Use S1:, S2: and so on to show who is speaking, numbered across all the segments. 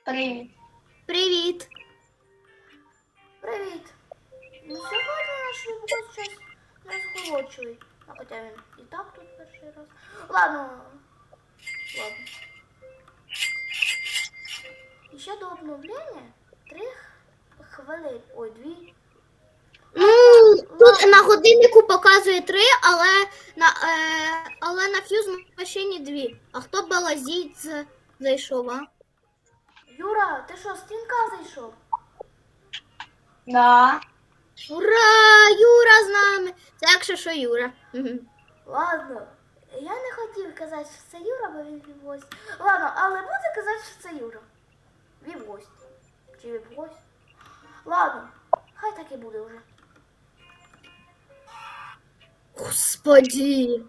S1: Привіт.
S2: Привіт.
S3: Привіт! Ну сьогодні наш випуск щось незголодчивий. А хоча він і так тут перший раз. Ладно. І ще до обновлення 3 хвилини. Ой, 2.
S2: Ну, тут на годиннику показує 3, але на фьюз машині 2. А хто балазіть зайшов, а?
S3: Юра, ти що, з стінка зайшов?
S1: Да.
S2: Ура! Юра з нами! Це якщо що Юра.
S3: Ладно. Я не хотів казати, що це Юра, бо він вівгость. Ладно, але буду казати, що це Юра. Вівгость. Чи вівгость? Ладно, хай так і буде вже.
S2: Господи!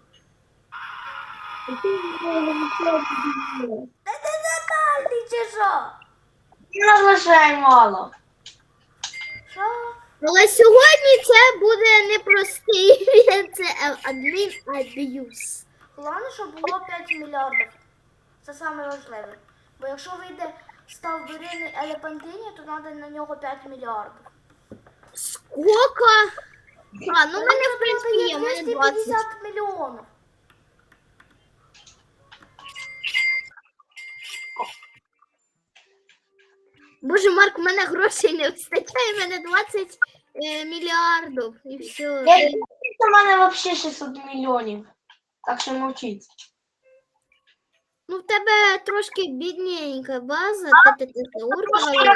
S3: Та ти нормальний чи що?
S1: Не лише мало.
S3: Що?
S2: Але сьогодні це буде непростий, це адмін-аб'юз.
S3: Головне, щоб було 5 мільярдів. Це саме важливе. Бо якщо вийде ставберильний елепантині, то треба на нього 5 мільярдів.
S2: Сколько? А, ну в мене, в принципі, є, в мене 20.
S3: 250 мільйонів.
S2: Боже, Марк, у мене грошей не вистачає, в мене 20 мільярдів. І все.
S1: У мене взагалі 600 мільйонів. Так що мовчіть.
S2: Ну, в тебе трошки бідненька база, ти зауркала.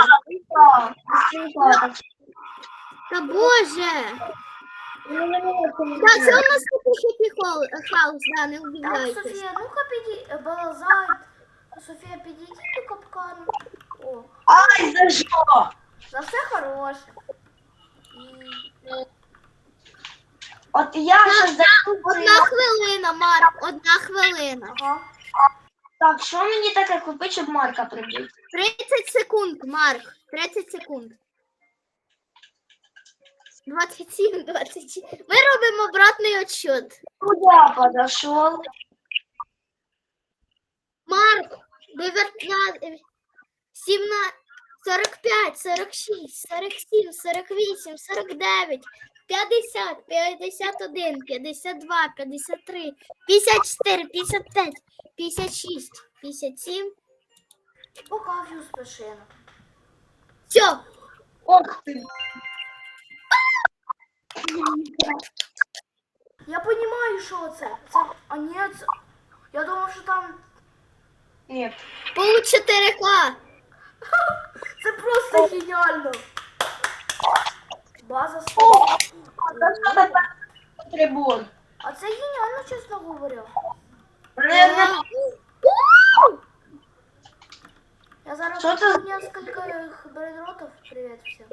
S2: Та боже! Так, це у нас такий хеппі хаус, да, не
S3: Так,
S2: убігайтесь.
S3: Софія, ну-ка підійди, балазай. Софія, підійди до капкану. О,
S1: Ай, за що?
S3: за все хороше.
S1: От я щось
S2: Одна хвилина, Марк, одна хвилина.
S3: Ага.
S1: Так, що мені таке купити, щоб Марка прибити?
S2: 30 секунд, Марк, 30 секунд. 27, 27. Ми робимо обратний отсчет.
S1: Куда подошел?
S2: Марк, 19, 17, 45, 46, 47, 48, 49, 50, 51, 52, 53, 54, 55, 56, 57.
S3: Пока фьюз пишину.
S2: Все.
S1: Ох ты.
S3: Я розумію, що це. А ні, це... Я думав, що там...
S1: Нет.
S2: Получ 4К.
S3: Це просто геніально. База
S1: О,
S3: стоїть.
S1: це що таке трибун?
S3: А це геніально, чесно говоря. Я зараз
S1: Що це?
S3: несколько брейнротов. Привіт всім.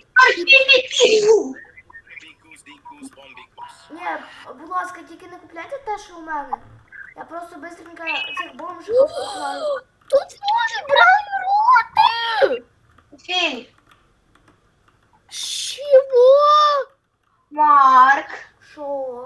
S3: Ні, будь ласка, тільки не купляйте те, що у мене. Я просто быстренько цих бомжиків покупаю.
S2: Тут може брати.
S1: Філь,
S2: Чего?
S1: Марк,
S3: Що?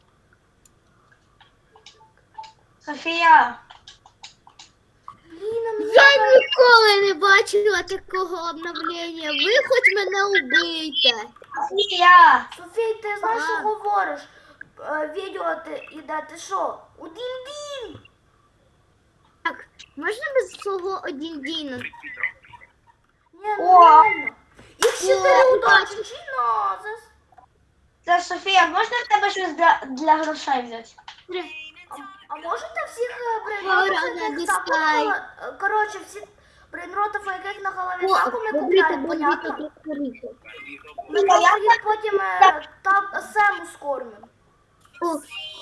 S1: Софія.
S3: Блін, а мені
S2: Я
S3: треба-
S2: ніколи не бачила такого обновлення. Ви хоч мене убийте.
S1: Софія.
S3: Софій, ти знаєш, що
S2: А.
S3: говориш? Відео ти іде, ти що? У дім-дім!
S2: Так, можна без свого один дійно?
S3: Ні, ну
S1: О.
S3: реально. Їх 4
S2: О,
S3: удачі, чи назис?
S1: Це Софія, можна в тебе щось для грошей взяти?
S3: А можете всіх
S2: Ура,
S3: брейнротів, яких так
S2: дистай.
S3: коротше, всі брейнротів, яких на голові
S2: О,
S3: таку ми
S2: добрите,
S3: купляємо, понятно?
S2: добрите.
S3: Ми просто їх потім так сему скормимо.
S2: О.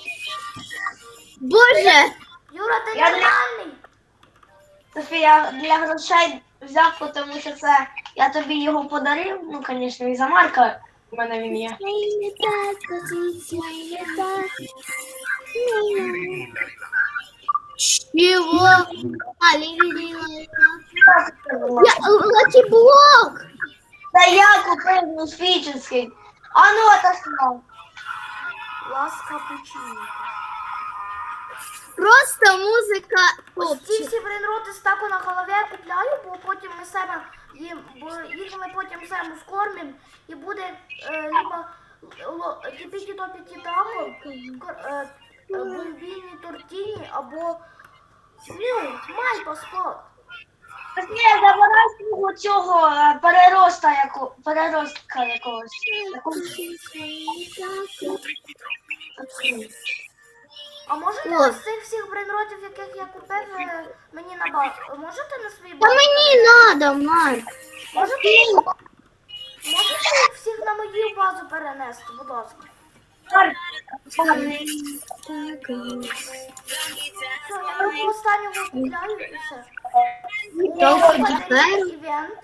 S2: Боже!
S3: Юра, ти
S1: Я не-
S3: нормальний?
S1: Софія, для грошей взяв, тому що це я тобі його подарив. Ну, звісно, і за Марка у мене він є.
S2: Чего? А, Лаки блок!
S1: Та я купив міфічний. А ну, отослав.
S3: Ласка пучинка.
S2: Просто музика
S3: Ось ці
S2: топчик.
S3: всі брейнроти стаку на голові я купляю, бо потім ми себе бо їх ми потім себе вкормимо і буде либо тіпіті топіті тако, бульбіні тортіні або мальпа спот.
S1: Ні, забирай свого цього переростка якогось.
S3: А можете
S2: О.
S3: з цих всіх брейнротів, яких я купив, мені на базу? Можете на свій
S2: Та
S3: базу?
S2: мені надо, Марк.
S3: Можете їх всіх на мою базу перенести, будь ласка. Все, я його останнього купляю і все.
S2: Толку
S3: О,
S2: тепер.
S3: івент.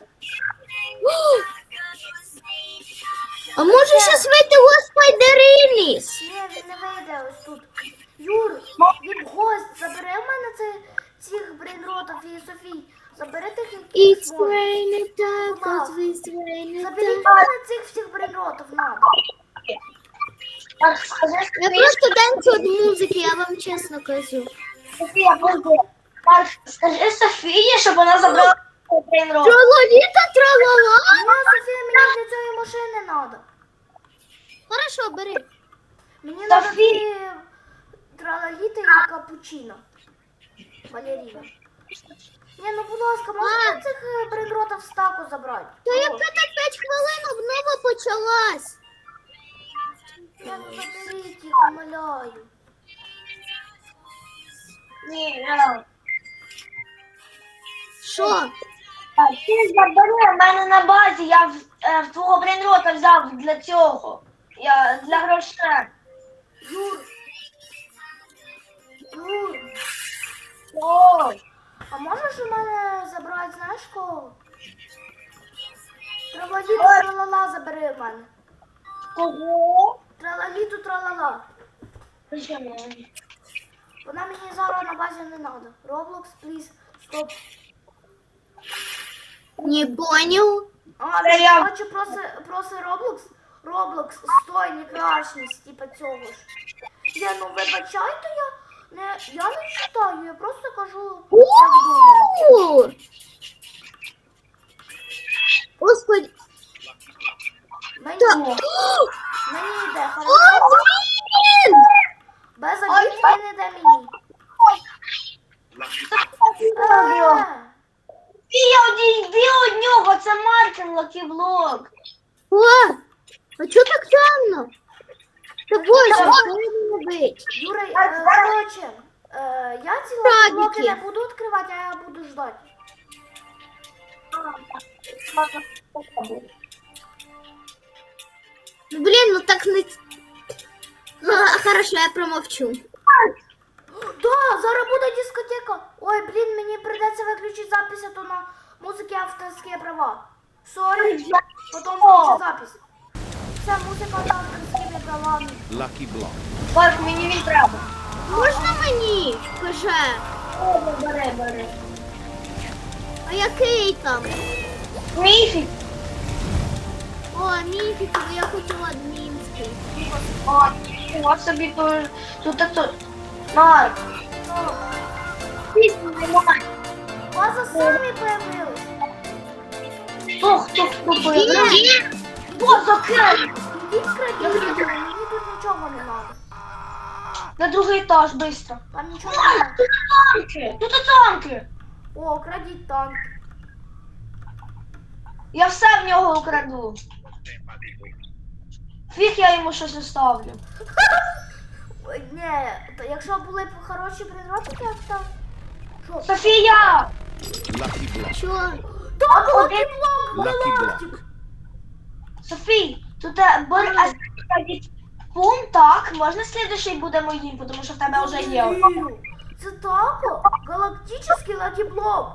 S2: А може щас вийти Спайдерініс?
S3: Ні, він не вийде ось тут. Юр, він гость, забери в мене цих брейнротів і Софій. Забери тих, які
S2: It's
S3: зможеш.
S2: raining tacos, it's raining
S3: Заберіть в
S2: tacos.
S3: мене цих всіх брейнротів, надо.
S1: Марк, скажи,
S2: Я просто танцю від музики, я вам чесно кажу.
S1: Софія, подожди. Марк, скажи Софії, щоб вона забрала брейнрот.
S2: Трололіта, тралала.
S3: Ні, Софія, мені для цієї машини надо.
S2: Хорошо, бери.
S3: Мені надо
S1: Софі!
S3: дві тралаліти і капучино. Балеріна. Ні, ну будь ласка, можете цих брейнротів в стаку забрати?
S2: Та яка
S3: О,
S2: та 5 хвилин обнова почалась.
S3: Я ну заберіть їх, умоляю.
S1: Ні,
S2: Що?
S1: ти забери в мене на базі, я в твого брейнрота взяв для цього. Для грошей.
S3: Юр. Юр.
S1: Ой,
S3: А можеш у мене забрати, знаєш кого? Тралаліту тралала забери в мене.
S1: кого?
S3: Тралаліту тралала.
S1: Чому?
S3: Вона мені зараз на базі не треба. Roblox, please, стоп.
S2: Не понял.
S3: А,
S1: Це я.
S3: бачу, проси Roblox. Roblox, стой, некрашність, типа цього ж. Ну вибачайте, я не читаю, я просто кажу, як думаю.
S2: У! Господи.
S3: Мені,
S2: Та...
S3: мені йде,
S2: О,
S3: хорошо?
S2: блін!
S3: Без обід він йде мені.
S1: Йди від нього, це Мартин Лакіблок.
S2: О, а чого так темно? Та боже, що мені робити?
S3: Юра, короче, я ці
S2: Крабики.
S3: блоки не буду відкривати, а я буду ждати.
S2: Блін, ну так не... Хорошо, я промовчу.
S3: Да, зараз буде дискотека. Ой, блін, мені прийдеться виключити запис, а то на музики авторські права. Сорі, потім включу запис. Це музика з авторськими правами.
S4: Lucky Block.
S1: Марк, мені він треба.
S2: Можна мені? Каже.
S1: Бери.
S2: А який там?
S1: Міфік.
S2: О, міфік, я хотіла адмінський.
S1: От собі тут. Марк. Пісню немає.
S3: База самі появилась.
S1: Хто появився? Хто закрив?
S3: Ідіть крадіть, мені тут нічого не треба.
S1: На другий етаж, швидко.
S3: Там нічого не треба.
S1: Тут танки.
S3: О, крадіть танк.
S1: Я все в нього украду. Фіг я йому щось оставлю.
S3: Ой, ні, то якщо були б хороші брейнроти, я б там... Що?
S1: Софія!
S4: Lucky Block.
S2: Що?
S3: Так,
S1: Один-
S3: Lucky Block,
S4: Lucky
S3: Галактик.
S4: Block.
S1: Софій, тут бери пункт, так, можна слідуючий буде моїм, тому що в тебе вже є.
S3: Вірю. Це тако, галактичний Lucky Block.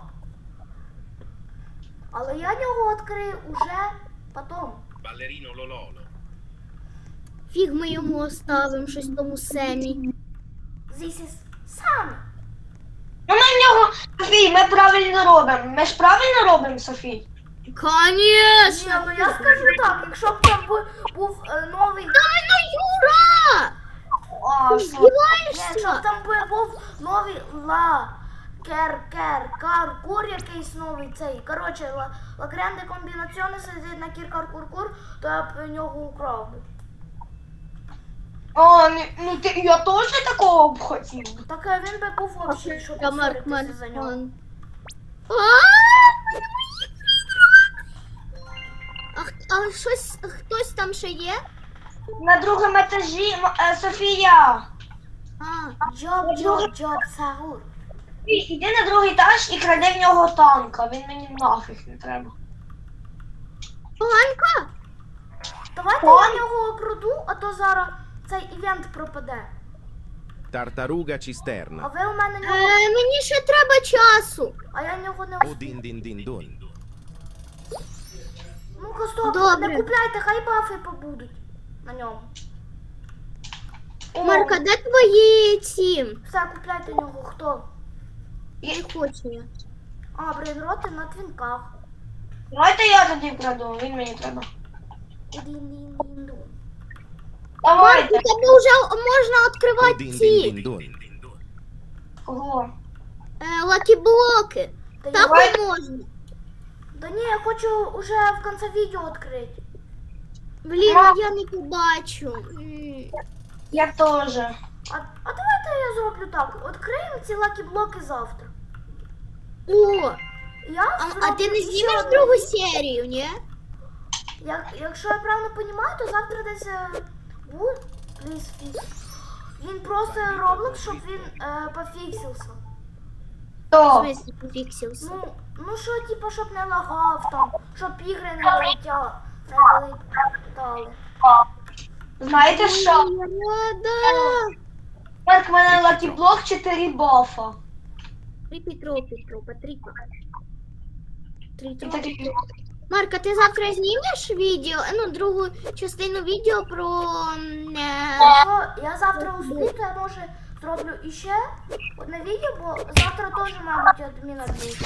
S3: Але я його відкрию уже потом.
S4: Ballerino Lololo.
S2: Фіг ми йому оставимо щось тому Семі.
S3: This is Sam.
S1: Ну ми в нього, Софій, ми правильно робимо. Ми ж правильно робимо, Софій?
S3: Ні,
S2: Конечно!
S3: ну я скажу так, якщо б там був новий...
S2: Дай ну, Юра!
S1: А,
S2: Ти
S1: що?
S3: Ні,
S2: здіваєшся?
S3: щоб там був новий кур якийсь новий цей. Коротше, ла гранде комбінаціони сидить на кір-кар-кур-кур, то я б нього украв би.
S1: О, ну ти, я теж такого б хотів.
S3: Так він би був взагалі, щоб
S2: Я Марк
S3: посваритися за нього.
S2: Маркман. А щось, хтось там ще є?
S1: На другому етажі Софія.
S2: А,
S3: Джоб, Сагур.
S1: Іди на другий етаж і кради в нього танка. Він мені нафіг не треба.
S2: Поганка?
S3: Давайте я нього украду, а то зараз цей івент пропаде.
S4: Tartaruga
S3: А
S4: cisterna.
S3: ви у мене нього,
S2: Мені ще треба часу.
S3: а я нього не
S4: O
S3: успію.
S4: din din din dun.
S3: Ну-ка, стоп,
S2: Добре.
S3: не купляйте, хай бафи побудуть на ньому.
S2: Марка, де твої ці?
S3: Все, купляйте нього, хто?
S2: Не хочу я.
S3: А, брейнроти на твінках.
S1: Давайте я тоді краду, він мені треба.
S3: Ді-ді-ді-ді.
S2: Марк,
S1: Давайте.
S2: у тебе вже можна
S4: O
S2: відкривати
S4: din din
S2: ці
S4: din dun.
S1: Кого?
S2: лакі-блоки.
S3: Та
S2: Так
S3: я,
S2: не можна.
S3: да ні, я хочу уже в кінці відео відкрити.
S2: Блін, а я не побачу.
S1: Я теж.
S3: А давайте я зроблю так. Відкриємо ці лакі-блоки завтра.
S2: О,
S3: Я
S2: а
S3: зроблю
S2: ти не
S3: ще
S2: знімеш
S3: одне
S2: другу
S3: відео.
S2: серію, ні?
S3: Якщо я правильно розумію, то завтра десь буде пліз фікс. Він просто Roblox, щоб він пофіксився.
S2: В
S1: То.
S2: смысле пофіксився?
S3: Ну що, типу, щоб не лагав там, щоб ігри не вилітали.
S1: Знаєте що?
S2: Да.
S1: Марк, в мене лакіблок 4 бафа.
S2: Тріпі-тропі-тропа, тріпа.
S1: І
S2: Тріпа.
S1: такі-
S2: Марка, ти завтра знімеш відео, ну, другу частину відео про...
S3: Якщо я завтра успію, то я може зроблю іще одне відео, бо завтра теж, мабуть, адміна буде.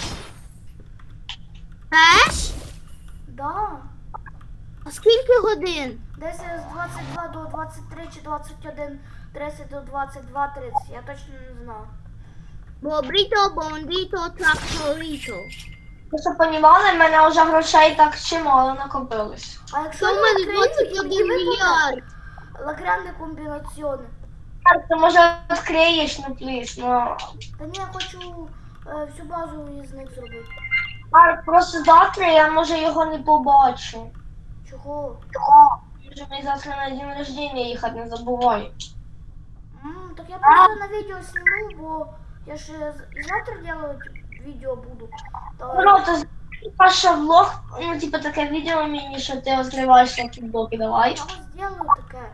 S2: Теж?
S3: Да.
S2: А скільки годин?
S3: Десь з 22 до 23 чи 21, 30 до 22, 30. Я точно не знаю.
S2: Бобріто, бондіто, тракторіто.
S1: Ви що понімали, в мене вже грошей так чимало накопилось.
S3: А якщо
S2: Що в
S3: я
S2: мене
S3: відкрию
S2: 21
S3: і випаде
S2: мільярд?
S3: лагранди комбінаціони.
S1: Марк, ти може відкриєш, ну пліс, ну.
S3: Та ні, я хочу всю базу із них зробити.
S1: Марк, просто завтра я може його не побачу.
S3: Чого?
S1: Може мені завтра на день рождения їхати, не забувай.
S3: Так я просто на відео зніму, бо я ж і завтра делать відео буду. То
S1: Бро, то Паша влог, ну типу таке відео мені, що ти розкриваєш лакіблоки, давай.
S3: я ось зроблю таке.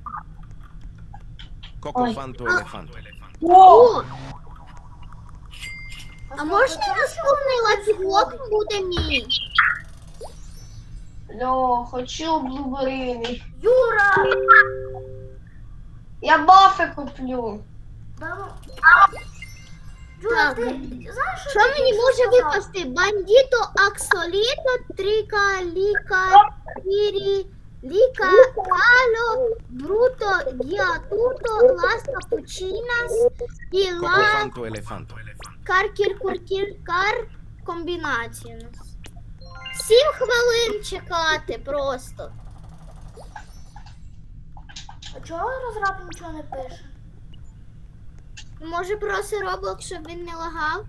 S4: Cocofanto elefanto.
S2: О, а
S3: стоп,
S2: можна
S3: це
S2: наступний
S3: що
S2: лакі-блок
S3: происходить?
S2: буде мій?
S1: Льо, хочу блуберини.
S3: Юра!
S1: Я бафи куплю.
S3: Да ну. Юра,
S2: Так.
S3: ти знаєш,
S2: Що
S3: ти
S2: мені
S3: тільки
S2: може
S3: сказав?
S2: випасти? Бандіто, аксоліто, тріка, ліка, пірі, ліка, ало, бруто, гіатуто, лас капучинас, і ла,
S4: Cocofanto elefanto.
S2: каркір, куркір, кар, комбінація. 7 хвилин чекати просто.
S3: А чого розраб нічого не пише?
S2: Може просить Roblox, щоб він не лагав?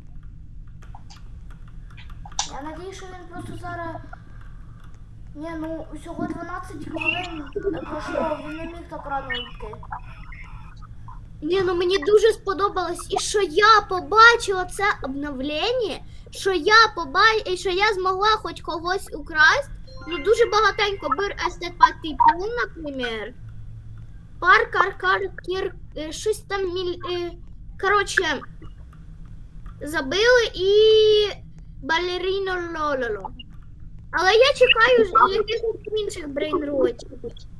S3: Я надію, що він просто зараз. Ні, ну усього 12 хвилин пройшло, він не міг так рано йти.
S2: Ні, ну мені дуже сподобалось, і що я побачила це обновлення, що я змогла хоч когось украсть. Ну дуже багатенько бир естет патипун, наприклад. Кар, кір, щось там коротше, забили і балеріно лололо. Але я чекаю якихось інших брейнротів.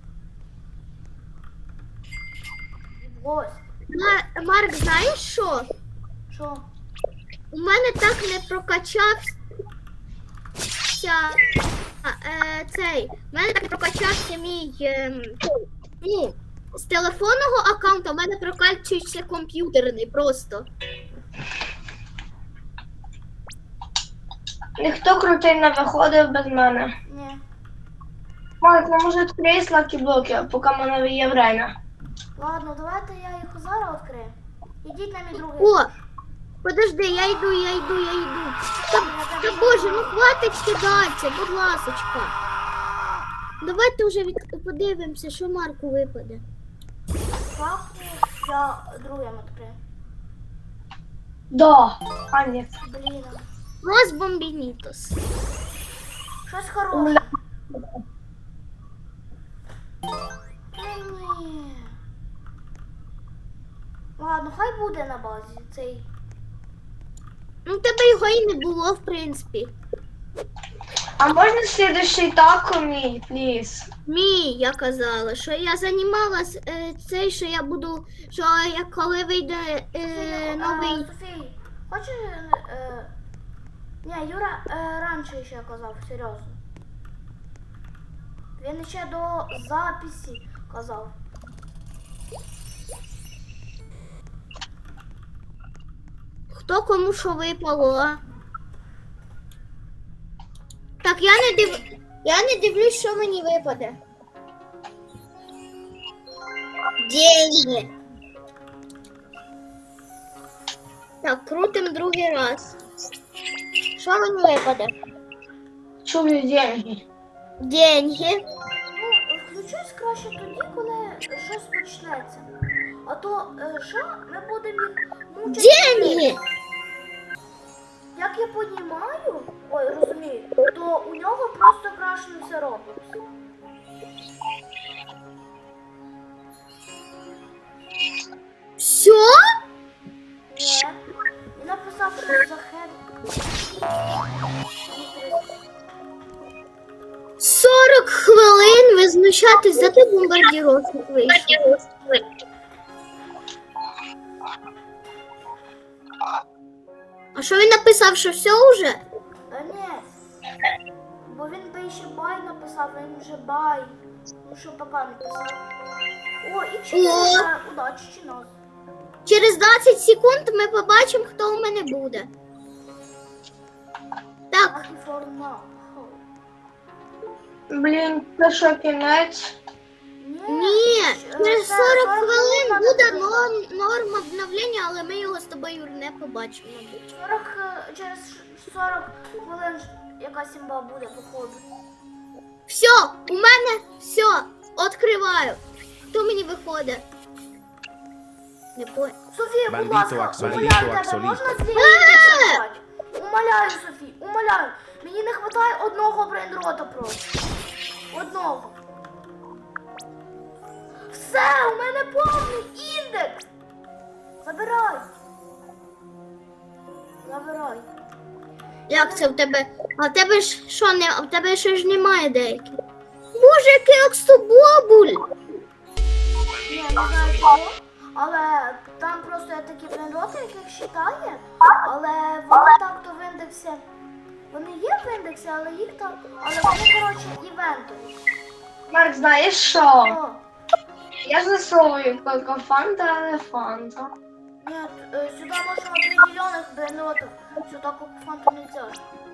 S3: Ось.
S2: Марк, знаєш що?
S3: Що?
S2: У мене так не прокачався цей. У мене так не прокачався мій. Ну, з телефонного аккаунту в мене прокачується комп'ютерний просто.
S1: Ніхто крутий не виходив без мене.
S3: Ні.
S1: Марк, ну може відкрий слакі блоки, поки в мене є время.
S3: Ладно, давайте я їх зараз відкрию. Ідіть на мій другий.
S2: О, подожди, я йду. Та боже, ну хватить кидатися, будь ласочка. Давайте вже подивимося, що Марку випаде.
S3: Папу я другим відкрию.
S1: Да. А, ні.
S3: Блін.
S2: Лос Бомбінітос.
S3: Щось хороше. Ні. Ладно, хай буде на базі цей.
S2: Ну, в тебе його і не було, в принципі.
S1: А можна слідущий тако мій, пліз?
S2: Я казала, що я займалась цей, що я буду, що я коли вийде новий.
S3: Софій, хочеш... Ні, Юра раніше ще казав, серйозно. Він ще до записі казав.
S2: Хто кому що випало, а? Так, я не дивлюсь, що мені випаде. Деньги. Так, крутим другий раз. Що мені випаде?
S1: Чую деньги.
S2: Деньги.
S3: Ну, включусь краще тоді, коли щось почнеться. А то що ми будемо їх мучити.
S2: Деньги!
S3: Як я понімаю, ой, розумію, то у нього просто крашнувся Roblox.
S2: Все?
S3: Ні. Він написав, що за хер.
S2: 40 хвилин ви знущатись, зато бомбардіровник вийшов. А що він написав, що все вже?
S3: Та ні. Бо він би ще бай написав, а він вже бай. Ну що пока написав. О, і чи удачі чи нас.
S2: Через 20 секунд ми побачимо, хто у мене буде. Так,
S3: Lucky for now.
S1: Блін, це що, кінець?
S2: ні, через 40 хвилин
S3: надо
S2: буде
S3: написати.
S2: норма обновлення, але ми його з тобою не побачимо, мабуть.
S3: Через 40 хвилин якась імба буде, походу.
S2: Все, у мене все, відкриваю. Хто мені виходить? Не понял.
S3: Софія, будь
S4: Бандито,
S3: ласка,
S4: аксоліто,
S3: умоляю тебе,
S4: аксоліто.
S3: можна з лінії? Умоляю, Софі, умоляю. Мені не вистачає одного брейнрота просто. Одного. Все, у мене повний індекс. Забирай. Забирай.
S2: Як це в тебе? А в тебе ж що не? А в тебе ще ж немає деяких. Боже, який оксобобуль!
S3: Ні, не знаю чого, але там просто є такі брейнроти, яких считає, але вони так то в індексі. Вони є в індексі, але їх там. Але вони, коротше, івентові.
S1: Марк, знаєш що?
S3: О,
S1: Я засовую тільки фанта, а не фанта.
S3: нет, сюда можно определенных брейнротов. Сюда фанту нельзя.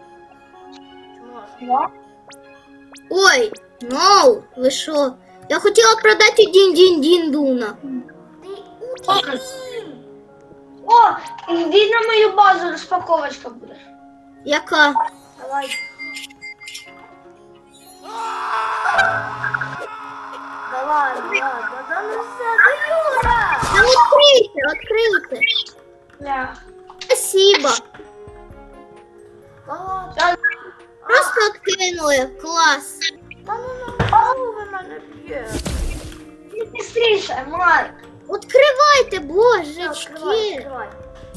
S3: Можно.
S2: Ой, ноу, ви що? Я хотіла продати дін-дін-дін-дуна.
S3: Ты уточни.
S1: О, йди на мою базу, розпаковочка буде.
S2: Яка?
S3: Давай. Давай, да ну все, да Юра!
S2: Та відкрийте.
S1: Бля.
S2: Спасибо.
S3: Да ладно.
S2: Просто відкинули. Клас.
S3: Да ну ви мене б'є.
S1: Не быстріше, Марк.
S2: Відкривайте,
S3: Открывай,
S2: божечки.
S3: открывай.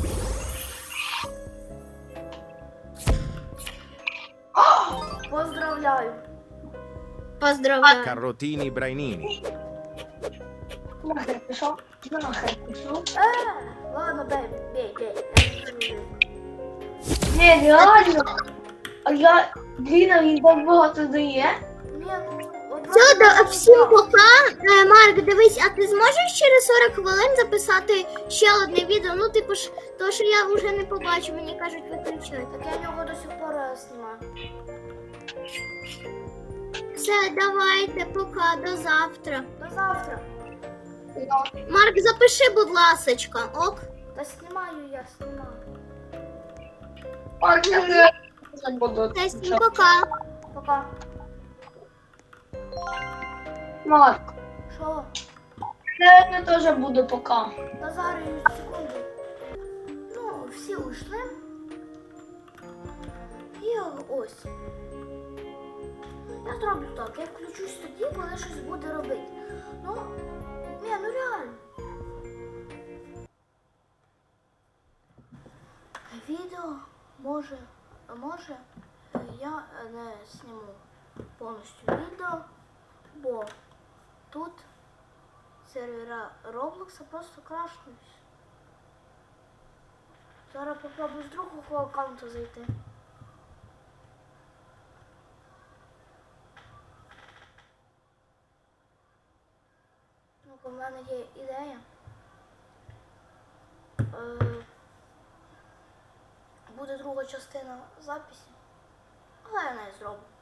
S3: Поздравляю.
S2: Поздравляю.
S4: Carrotini brainini.
S1: Нахер пішов. Нахер пішов.
S3: Ладно, бей.
S1: Не, реально. А я, Діна, він так багато дає.
S3: Ні, ну,
S2: Все, всім пока. Марк, дивись, а ти зможеш через 40 хвилин записати ще одне відео? Ну, типу ж, то, що я вже не побачу, мені кажуть, виключай.
S3: Так я його до сих пор знімаю.
S2: Все, давайте, пока, до завтра.
S3: До завтра.
S2: Марк, запиши, будь ласочка, ок?
S3: Та знімаю я, знімаю.
S2: Все, всім пока.
S3: Пока.
S1: Марк,
S3: Що?
S1: я теж буду пока.
S3: Та зараз секунду. Ну, всі ушли. І ось. Я зроблю так, я включусь тоді, коли щось буде робити. Ну, ну реально. Відео може я не зніму повністю відео, бо тут сервера Роблокса просто крашнусь. Зараз попробую з другого аккаунту зайти. Ну, у мене є ідея. Буде друга частина записі, але я не зроблю.